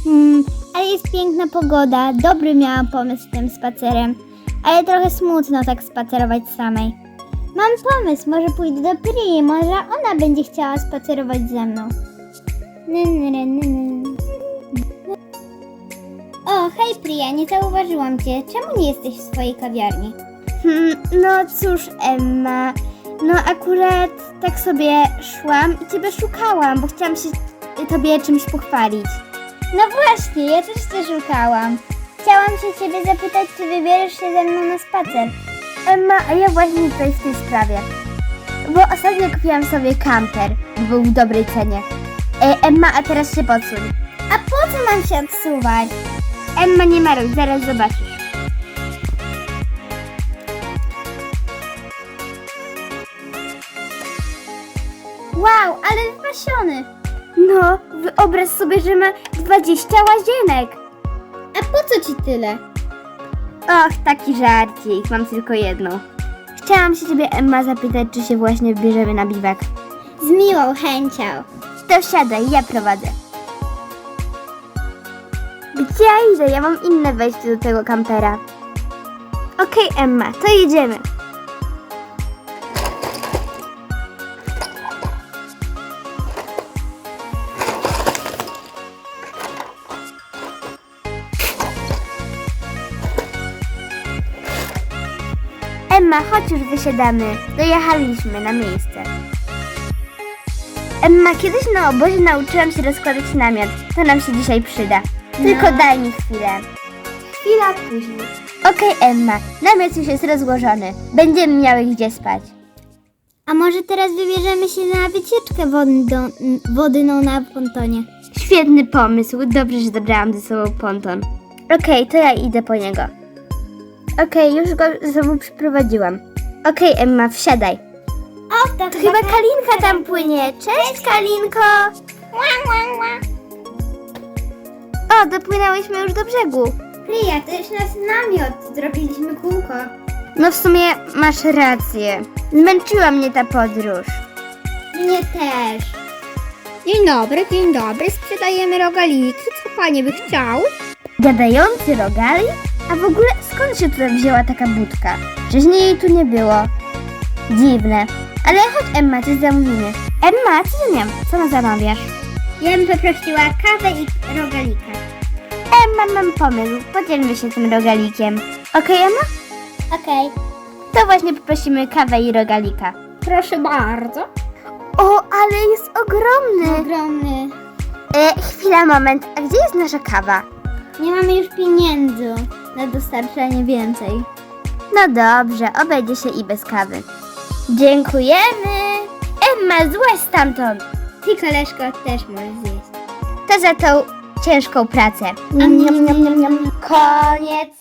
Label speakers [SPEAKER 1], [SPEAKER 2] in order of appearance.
[SPEAKER 1] Ale jest piękna pogoda, dobry miałam pomysł z tym spacerem, ale trochę smutno tak spacerować samej. Mam pomysł, może pójdę do Prii, może ona będzie chciała spacerować ze mną. O, hej Priya, nie zauważyłam cię. Czemu nie jesteś w swojej kawiarni? No cóż, Emma, no akurat tak sobie szłam i ciebie szukałam, bo chciałam się tobie czymś pochwalić. No właśnie, ja też cię szukałam. Chciałam się ciebie zapytać, czy wybierzesz się ze mną na spacer. Emma, a ja właśnie tutaj w tej sprawie. Bo ostatnio kupiłam sobie kamper, był w dobrej cenie. Emma, a teraz się podsuń. A po co mam się odsuwać? Emma, nie maruj, zaraz zobaczysz. Wow, ale wypasiony. No, wyobraź sobie, że ma 20 łazienek. A po co ci tyle? Och, taki żarcik, mam tylko jedną. Chciałam się ciebie, Emma, zapytać, czy się właśnie wybierzemy na biwak. Z miłą chęcią. To siadaj, ja prowadzę. Gdzie ja idę? Ja mam inne wejście do tego kampera. Okej, Emma, to jedziemy. Emma, chodź już wysiadamy. Dojechaliśmy na miejsce. Emma, kiedyś na obozie nauczyłam się rozkładać namiot. To nam się dzisiaj przyda. Tylko daj mi chwilę. Chwila później. Okej, Emma, namiot już jest rozłożony. Będziemy miały gdzie spać. A może teraz wybierzemy się na wycieczkę wodną na pontonie? Świetny pomysł. Dobrze, że zabrałam ze sobą ponton. Okej, to ja idę po niego. Okej, już go ze sobą przyprowadziłam. Okej, Emma, wsiadaj. O, to chyba Kalinka tam płynie. Cześć, Kalinko! O, dopłynęłyśmy już do brzegu. Priya, to już nasz namiot. Zrobiliśmy kółko. No w sumie masz rację. Zmęczyła mnie ta podróż. Mnie też.
[SPEAKER 2] Dzień dobry, sprzedajemy rogaliki. Co panie by chciał?
[SPEAKER 1] Gadający rogalik? A w ogóle skąd się tutaj wzięła taka budka? Wcześniej jej tu nie było. Dziwne. Ale chodź, Emma, coś zamówimy. Emma, co ty Co zamawiasz?
[SPEAKER 2] Ja bym poprosiła kawę i rogalika.
[SPEAKER 1] Emma, mam pomysł. Podzielmy się tym rogalikiem. Okej, Emma?
[SPEAKER 2] Okej.
[SPEAKER 1] To właśnie poprosimy kawę i rogalika.
[SPEAKER 2] Proszę bardzo.
[SPEAKER 1] O, ale jest ogromny.
[SPEAKER 2] Ogromny.
[SPEAKER 1] Chwila, moment. A gdzie jest nasza kawa?
[SPEAKER 2] Nie mamy już pieniędzy na dostarczanie więcej.
[SPEAKER 1] No dobrze, obejdzie się i bez kawy. Dziękujemy. Emma, złaź stamtąd.
[SPEAKER 2] Ty, koleżko, też możesz zjeść.
[SPEAKER 1] To za tą ciężką pracę. Koniec.